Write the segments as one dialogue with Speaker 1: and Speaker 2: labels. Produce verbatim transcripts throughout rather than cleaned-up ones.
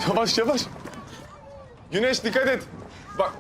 Speaker 1: Yavaş yavaş. Güneş dikkat et. Bak.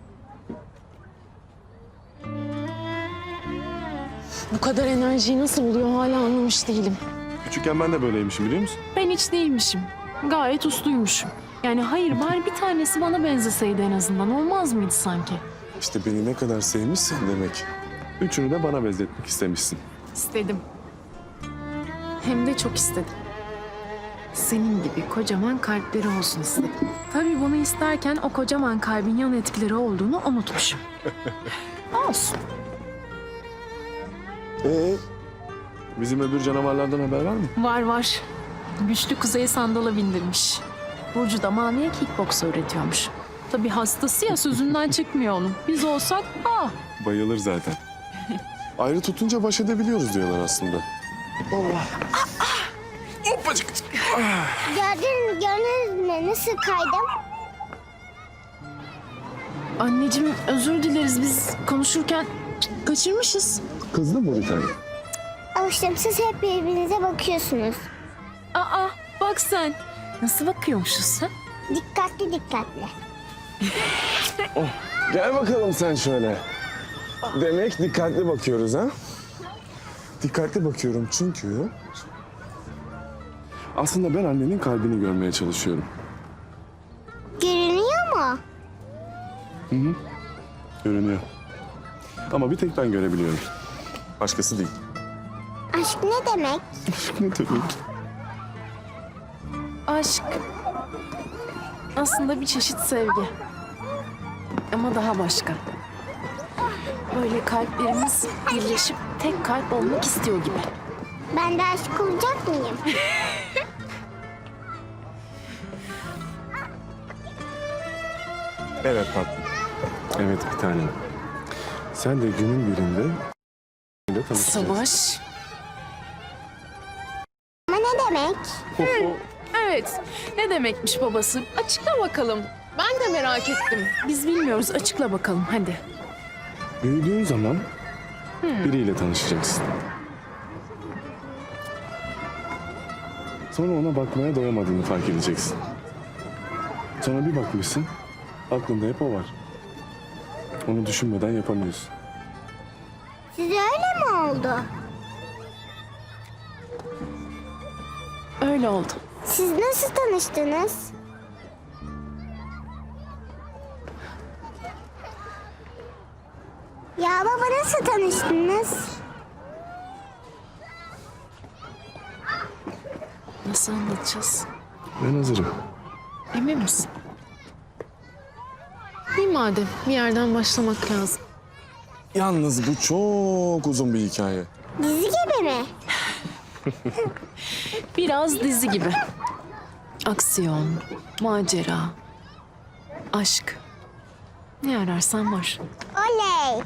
Speaker 2: Bu kadar enerjiyi nasıl buluyor hala anlamış değilim.
Speaker 1: Küçükken ben de böyleymişim biliyor musun?
Speaker 2: Ben hiç değilmişim. Gayet usluymuşum. Yani hayır bari bir tanesi bana benzeseydi en azından. Olmaz mıydı sanki?
Speaker 1: İşte beni ne kadar sevmişsin demek. Üçünü de bana benzetmek istemişsin.
Speaker 2: İstedim. Hem de çok istedim. Senin gibi kocaman kalpleri olsun istedim. Tabii bunu isterken o kocaman kalbin yan etkileri olduğunu unutmuşum. Olsun.
Speaker 1: Ee, bizim öbür canavarlardan haber var mı?
Speaker 2: Var var. Güçlü Kuzey'i sandala bindirmiş. Burcu da Mavi'ye kickboks öğretiyormuş. Tabii hastası ya sözünden çıkmıyor onun. Biz olsak ah.
Speaker 1: Bayılır zaten. Ayrı tutunca baş edebiliyoruz diyorlar aslında. Allah. Hoppacık.
Speaker 3: Gördün, gördünüz mü? Nasıl kaydım?
Speaker 2: Anneciğim özür dileriz biz konuşurken kaçırmışız.
Speaker 1: Kızdı mı bir tane?
Speaker 3: Alıştım, siz hep birbirinize bakıyorsunuz.
Speaker 2: Aa bak sen. Nasıl bakıyormuşuz sen?
Speaker 3: Dikkatli dikkatli.
Speaker 1: Oh, gel bakalım sen şöyle. Demek dikkatli bakıyoruz ha? Dikkatli bakıyorum çünkü... Aslında ben annenin kalbini görmeye çalışıyorum.
Speaker 3: Görünüyor mu?
Speaker 1: Görünüyor. Ama bir tek ben görebiliyorum. Başkası değil.
Speaker 3: Aşk ne demek?
Speaker 1: Ne demek?
Speaker 2: Aşk aslında bir çeşit sevgi. Ama daha başka. Böyle kalplerimiz birleşip tek kalp olmak istiyor gibi.
Speaker 3: Ben de aşık olacak mıyım?
Speaker 1: Evet tatlım. Evet bir tanem. Sen de günün birinde... tanışacaksın.
Speaker 2: Savaş.
Speaker 3: Ama ne demek?
Speaker 2: Evet. Ne demekmiş babası? Açıkla bakalım. Ben de merak ettim. Biz bilmiyoruz. Açıkla bakalım hadi.
Speaker 1: Büyüdüğün zaman biriyle tanışacaksın. Sonra ona bakmaya doyamadığını fark edeceksin. Sonra bir bakmışsın, aklında hep o var. Onu düşünmeden yapamıyorsun.
Speaker 3: Size öyle mi oldu?
Speaker 2: Öyle oldu.
Speaker 3: Siz nasıl tanıştınız? Ya baba nasıl tanıştınız?
Speaker 2: Nasıl anlatacağız?
Speaker 1: Ben hazırım.
Speaker 2: Emin misin? İyi madem. Bir yerden başlamak lazım.
Speaker 1: Yalnız bu çok uzun bir hikaye.
Speaker 3: Dizi gibi mi?
Speaker 2: Biraz dizi gibi. Aksiyon, macera, aşk. Ne ararsan var.
Speaker 3: Oley!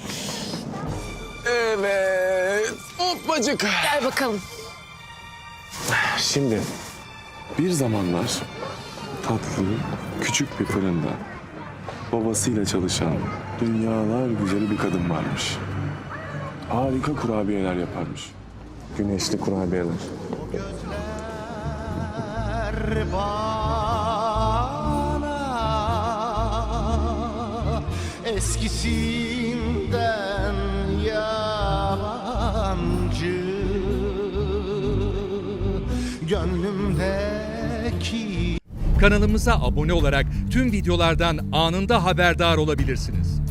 Speaker 1: Evet. Hoppacık.
Speaker 2: Gel bakalım.
Speaker 1: Şimdi bir zamanlar tatlı, küçük bir fırında babasıyla çalışan dünyalar güzeli bir kadın varmış. Harika kurabiyeler yaparmış. Güneşli kurabiyeler.
Speaker 4: Bana eskisinden yabancı gönlümdeki.
Speaker 5: Kanalımıza abone olarak tüm videolardan anında haberdar olabilirsiniz.